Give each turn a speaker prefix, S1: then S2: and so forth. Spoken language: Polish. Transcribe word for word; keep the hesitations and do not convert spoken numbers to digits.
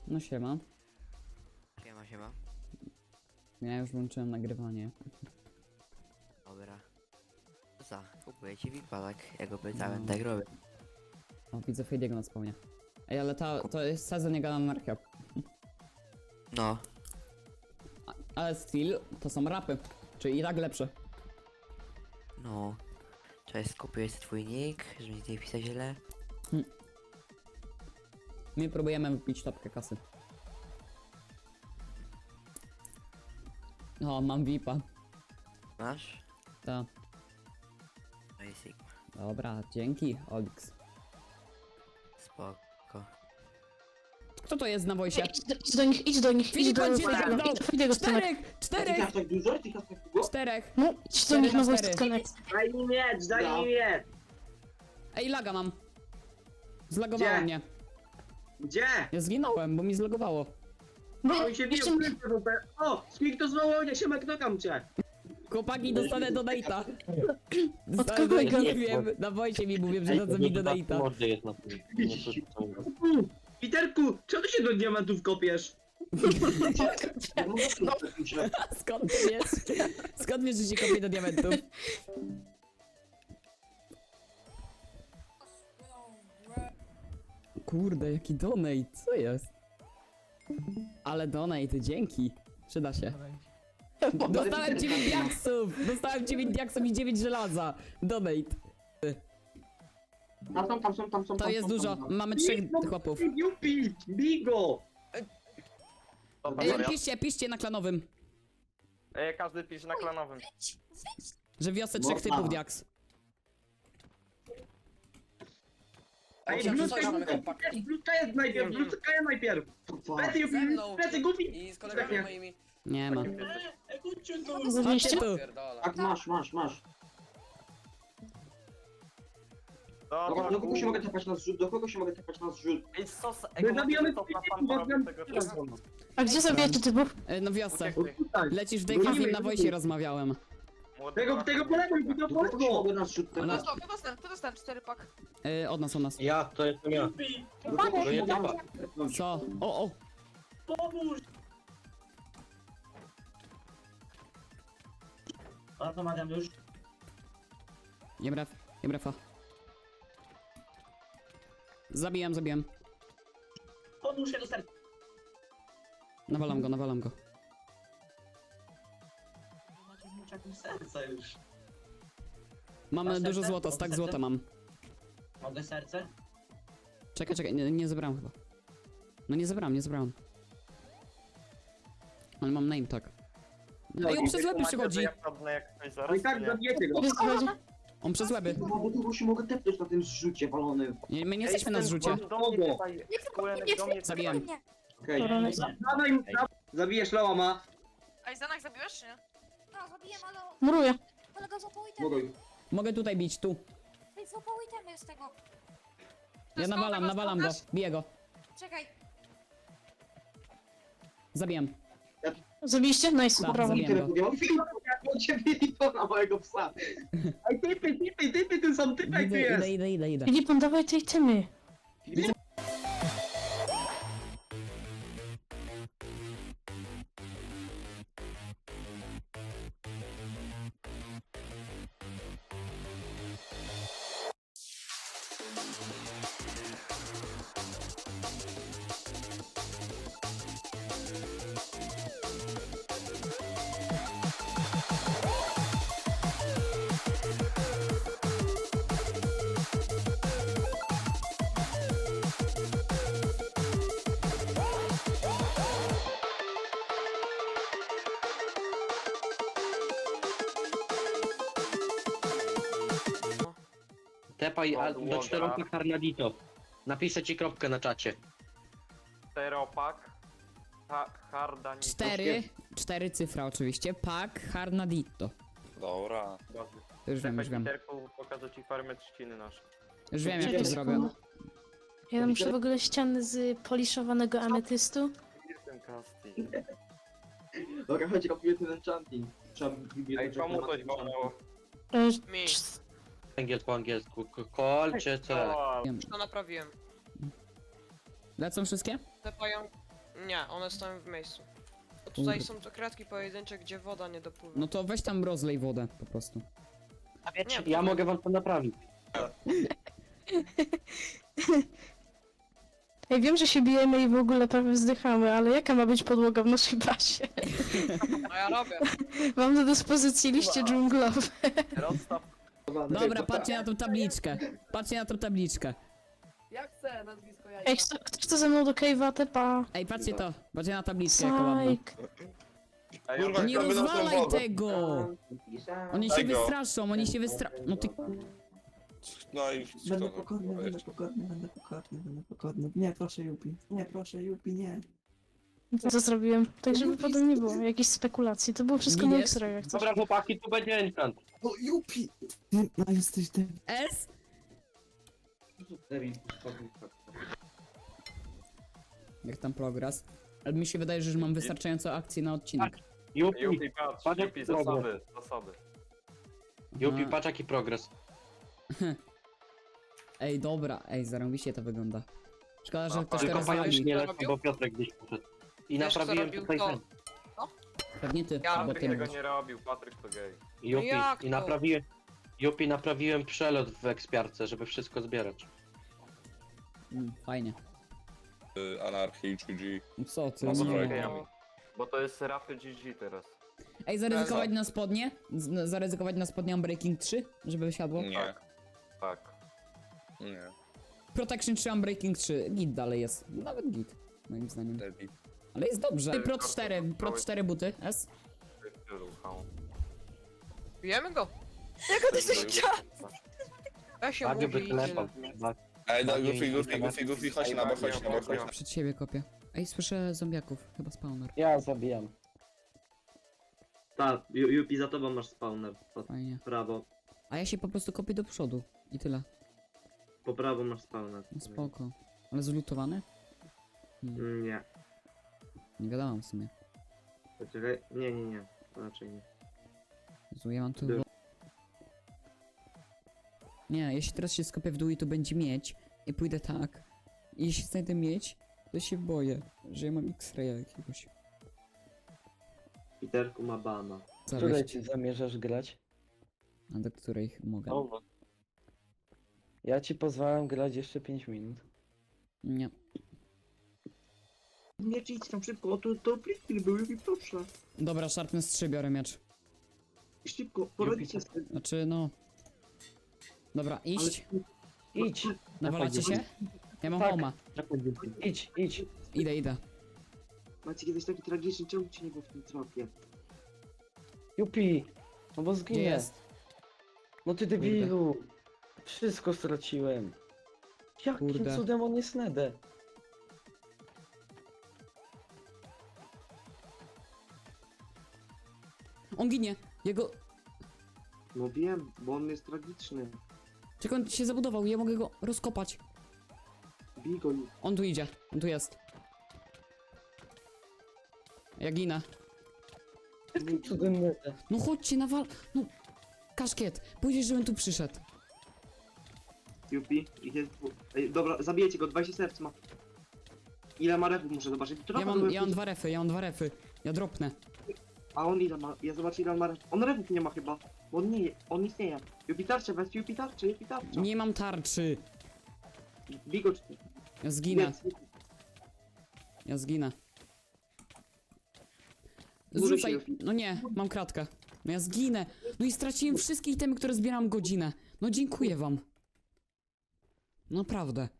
S1: No siema.
S2: Siema, siema.
S1: Ja już włączyłem nagrywanie.
S2: Dobra. Co za? Kupuję ci V I P-a, tak? Ja go pytałem,
S1: No.
S2: tak robię.
S1: O, widzę Fejdiego na spawnie. Ej, ale ta, to jest sezon jego anarchia.
S2: No.
S1: A- Ale still to są rapy. Czyli i tak lepsze.
S2: No. Cześć, skupię jest twój nick, żeby mi tutaj pisać źle.
S1: My próbujemy wypić topkę kasy. O, mam V I P-a.
S2: Masz?
S1: Ta.
S2: No i Sigma.
S1: Dobra, dzięki, Olix.
S2: Spoko.
S1: Kto to jest na wojsie?
S3: Idź do, idź do nich, idź do nich, idź
S1: Filipa
S3: do
S1: cię
S3: Fejdego,
S1: zamknął!
S3: idź do Fejdego stonek.
S1: Czterech!
S4: Ty
S1: Czterech!
S4: masz tak dużo? Ty masz tak długo?
S1: Czterech!
S3: No, idź do nich
S1: na
S3: na wojsk
S1: cztery.
S3: stonek.
S5: Daj mi miecz, daj
S4: No.
S5: mi miecz!
S1: Ej, laga mam. Zlagowało
S5: Gdzie?
S1: mnie.
S5: Gdzie?
S1: Ja zginąłem, bo mi zlagowało.
S3: No,
S5: On się
S3: jeszcze
S5: bił, o! Smig to zwołał, nie się knokam cię!
S1: Chłopaki, dostanę donate'a.
S3: Od
S1: Dostanę,
S3: kogo
S1: do-
S3: go?
S1: nie wiem, na wojsie mi mówię, że dadzą mi donate'a.
S6: Mordy jest na tym. Nie słyszałem go.
S5: Piterku, czemu się do diamentów kopiesz?
S4: Ja mówię, no, myślę,
S1: Skąd ty wiesz? Skąd wiesz, że się kopie do diamentów? Kurde, jaki donate, co jest? Ale donate, dzięki. Przyda się. Dostałem dziewięć diaksów! Dostałem dziewięć diaksów i dziewięć żelaza. Donate.
S4: Tam są, tam są, tam są.
S1: To
S4: tam
S1: jest
S4: są,
S1: dużo.
S4: tam są.
S1: Mamy trzech chłopów.
S5: Jupi, bigo!
S7: Dobra,
S1: Ej,
S7: Maria.
S1: piszcie, piszcie na klanowym.
S7: Ej, każdy pisze na klanowym.
S1: Że wiosę trzech
S4: Można.
S1: typów diaks.
S5: Ej,
S8: Chciałem
S5: bluska
S8: coś,
S5: jest,
S8: mamy chłopaki.
S5: bluska jest najpierw, bluska jest najpierw! Plecy, Jupi,
S8: Ze mną.
S5: plecy, gupi!
S8: I z kolegami moimi.
S1: Nie ma.
S3: Zawieście?
S1: tu.
S8: Pierdolę.
S4: Tak, masz, masz, masz.
S7: Dobra,
S4: Do, do kogo się
S7: kur-
S4: mogę tepać na zrzut? Do kogo się mogę tepać na zrzut?
S7: Ej, sos,
S5: My
S7: ej,
S5: zabijamy
S7: sos na
S5: typów,
S7: pan
S5: bo
S7: porobił
S5: znam-
S7: tego czasu.
S3: A gdzie zabijacie typów?
S1: E, No wiosce.
S7: Uciekli.
S5: Tutaj.
S1: Lecisz w Dejka, z nim na wojsie rozmawiałem.
S7: Młody
S5: Tego,
S7: ma-
S5: tego polewuj, tego
S4: Do kogo się
S5: polewuj!
S4: mogę na zrzut
S1: Ona-
S4: tepać?
S9: Kto dostał? Kto dostał cztery pak?
S1: E, od nas, od nas.
S6: Ja, to jestem ja.
S4: Do kogo
S6: To
S4: się
S6: nie
S4: mogę
S6: tepa.
S4: tepnąć?
S1: Co? O, o!
S5: Bardzo Mariam już.
S1: Nie brew, nie brefa. Zabijam, zabijam.
S5: Podłóż się do serca.
S1: Nawalam go, nawalam go.
S5: Macie serce już.
S1: Mamy
S5: Masz
S1: dużo
S5: serce?
S1: złota, stak złota mam.
S5: Mogę serce?
S1: Czekaj, czekaj, nie, nie zebrałem chyba. No nie zebrałem, nie zebrałem. Ale mam name tag. Ej, on przez łeby
S7: Macie,
S1: przychodzi!
S7: że ja padnę jak ktoś
S5: No
S7: zaraz,
S5: i tak
S7: czy nie?
S5: zabijecie go.
S3: Gdzie schodzi?
S1: On przez łeby.
S4: Do kogo się mogę tepnąć na tym zrzucie walonym?
S1: Nie, my nie
S7: Ej,
S1: jesteśmy na
S7: ten
S1: zrzucie.
S7: do mnie tutaj, Kulenek do mnie
S1: Zabijam.
S4: Okej.
S3: Korony.
S5: Dawaj mu zabijesz Loama.
S9: A i Zanak zabiłeś, czy nie?
S10: No, zabijem, ale
S3: Muruję.
S10: kolega złapał itemy.
S4: Mogę.
S1: Mogę tutaj bić, tu.
S10: Ej, złapał itemy z tego.
S1: Ja
S9: skąd
S1: nawalam,
S9: tego
S1: nawalam go.
S9: sprzątasz?
S1: Biję go.
S10: Czekaj.
S1: Zabijam.
S3: Zabiliście? Nice,
S1: Tak,
S3: brawo.
S1: zabiję.
S4: Tyle podjąłem. Jak on cię to na mojego psa.
S5: Ej, typy, typy, typy, tu są typy, tu
S1: Idę,
S5: jest.
S1: idę, idę, idę, idę.
S3: Filip, dawaj tej temy.
S6: Tepaj a,
S7: Podłoga.
S6: do czteropak Harnadito. Napiszę ci kropkę na czacie.
S7: Czteropak. Ha, harda nie
S1: Cztery, cztery cyfra oczywiście. Pak Harnadito.
S7: Dobra.
S1: Już wiem, już wiem.
S7: Peterku, pokażę ci farmę trzciny nasze.
S1: Już wiem, jak
S3: Czekaj
S1: to zrobię.
S3: sekundę. Ja muszę w ogóle ściany z poliszowanego ametystu.
S7: Jestem casting.
S4: Dobra, chodź, robię ten enchanting. Trzeba biblioteczkę
S7: Ej, komu
S4: na
S7: coś
S4: enchanting.
S7: wolnęło?
S3: E,
S9: Mi.
S6: Angiel po angielsku. K- Kolcie co?
S7: O,
S9: To naprawiłem.
S1: Lecą wszystkie?
S9: Tepają.
S8: Nie, one stoją w miejscu. Bo tutaj
S1: Kurde.
S8: są to kratki pojedyncze, gdzie woda nie dopływa.
S1: No to weź tam rozlej wodę po prostu.
S6: A wiecie,
S8: Nie,
S6: ja mogę wam to naprawić.
S3: Ej, wiem, że się bijemy i w ogóle prawie wzdychamy, ale jaka ma być podłoga w naszej bazie?
S8: No ja robię.
S3: Mam do dyspozycji liście dżunglowe.
S7: Rozstaw.
S1: Dobra, patrzcie na tą tabliczkę. Patrzcie na tą tabliczkę.
S3: Ej, kto, ktoś to ze mną do cave'a, tepa.
S1: Ej, patrzcie to. Patrzcie na tabliczkę, jaka ładna.
S3: Sajk.
S7: Ej,
S11: Kurwa,
S1: Nie
S11: kto by na tą
S1: rozwalaj
S11: wodę?
S1: tego! Oni się
S11: Tego.
S1: wystraszą, oni się wystra... No ty...
S11: No i
S4: Będę
S11: kto-
S4: pokorny,
S11: weź.
S4: będę pokorny, będę pokorny, będę pokorny. Nie, proszę Jupi. Nie, proszę Jupi, nie.
S3: Co zrobiłem? Tak, żeby potem nie było jakichś spekulacji. To było wszystko na
S1: Giniesz?
S3: X-ray, jak coś.
S6: Dobra chłopaki, tu będzie enchant.
S4: O, Jupi! Ty, no jesteś ty.
S1: S? Jak tam progres? Ale mi się wydaje, że już mam wystarczająco akcji na odcinek.
S6: Jupi,
S7: Jupi, patrz,
S6: Patrz, jak
S7: Jupi,
S6: progres.
S7: zasoby, zasoby.
S6: Jupi,
S1: Aha.
S6: patrz jaki progres.
S1: Ej, dobra, ej, zarąbiście to wygląda. Szkoda, że
S7: No,
S1: ktoś
S6: Tylko
S1: to
S6: pająk
S1: rozwalił.
S6: nie
S8: Co
S6: lecą,
S8: robił?
S6: bo Piotrek gdzieś poszedł. I
S8: Wiesz, co
S6: naprawiłem
S8: robił
S6: tutaj
S8: to?
S6: ten.
S1: Pewnie ty,
S8: Ja
S1: bo
S7: Patryk
S1: ty
S7: tego
S1: mówisz.
S7: nie robił, Patryk to gej.
S6: Jupi,
S8: jak
S6: i
S8: to?
S6: naprawiłem... Jupi, naprawiłem przelot w ekspiarce, żeby wszystko zbierać.
S1: Mm, fajnie.
S11: Y, Anarchii, G G.
S1: No co ty,
S11: No,
S1: no.
S11: dobra,
S7: Gejami. Bo to jest Rafy G G teraz.
S1: Ej, zaryzykować na spodnie? Z- Zaryzykować na spodnie Unbreaking trzy? Żeby wysiadło?
S11: Nie,
S7: Tak.
S11: nie.
S1: Protection trzy, Unbreaking trzy. Git dalej jest. Nawet git, moim zdaniem.
S11: Debil.
S1: Ale jest dobrze. Pro cztery, Pro cztery buty, S?
S8: Bijemy go. Ja się
S6: Bardzo
S8: mówi
S6: by
S8: i
S6: telepał.
S8: tyle.
S11: Ej, no,
S6: Bardziej
S11: Goofy, Goofy,
S6: niż
S11: Goofy, Goofy, chodź na bok, chodź na bok, chodź na bok.
S1: Przed siebie kopię. Ej, słyszę zombiaków, chyba spawner.
S5: Ja zabijam.
S4: Tak, Ju- Jupi, za tobą masz spawner. Po
S1: Fajnie.
S4: prawo.
S1: A ja się po prostu kopię do przodu. I tyle.
S4: Po prawo masz spawner.
S1: No spoko. Ale zlutowany? Hmm,
S4: Mm, Nie.
S1: nie wiadomo w sumie.
S4: Poczekaj. Nie, nie, nie. Raczej nie.
S1: Jezu, ja mam tu...
S4: Był.
S1: Nie, jeśli teraz się skopię w dół i tu będzie miedź i pójdę tak i jeśli znajdę miedź, to się boję, że ja mam X-raya jakiegoś.
S4: Peterku ma bana.
S1: Zawieść,
S5: ci zamierzasz grać?
S1: a do której mogę.
S6: No,
S5: Ja ci pozwalam grać jeszcze pięć minut.
S1: Nie.
S4: Nie idź tam szybko, o to, to plikil był, Jupi, proszę.
S1: Dobra, Sharpness trzy biorę miecz.
S4: Szybko, poradzicie sobie.
S1: Znaczy, no... Dobra, iść.
S5: Idź,
S1: Nawalacie się? Ja mam
S5: Tak.
S1: homa.
S5: idź, idź.
S1: Idę, idę.
S4: Macie kiedyś taki tragiczny, czemu ci nie było w tym trapie?
S5: Jupi, no bo
S1: Gdzie
S5: zginę.
S1: jest?
S5: No ty debilu. Wszystko straciłem. Jakim
S1: Kurde.
S5: cudem on jest Nede?
S1: On ginie! Jego...
S4: No wiem, bo on jest tragiczny.
S1: Czekaj, on się zabudował, ja mogę go rozkopać.
S4: Bij go, Jupi.
S1: On tu idzie, on tu jest. Ja ginę.
S5: Jakim cudem Nede?
S1: No chodźcie, nawal... No... Kaszkiet, pójdziesz, żebym tu przyszedł.
S4: Jupi, ich jest dwóch. Ej, dobra, zabijecie go, dwadzieścia serc ma. Ile ma refów muszę zobaczyć.
S1: Ja
S4: Trochę
S1: mam,
S4: byłem
S1: ja mam
S4: później-
S1: dwa refy, ja mam dwa refy. Ja dropnę.
S4: A on ile ma? Ja zobaczę ile on ma refów. On refów nie ma chyba. Bo on nie, on istnieje. Jupi tarczę, weź Jupi tarczę, Jupi tarczę.
S1: Nie mam tarczy.
S4: Bij go, czy...
S1: Ja zginę,
S4: Jedz, jedz.
S1: ja zginę.
S4: Buduj się,
S1: Zrzucaj.
S4: Jupi.
S1: No nie, mam kratkę. No ja zginę. No i straciłem wszystkie itemy, które zbieram godzinę. No dziękuję wam. Naprawdę.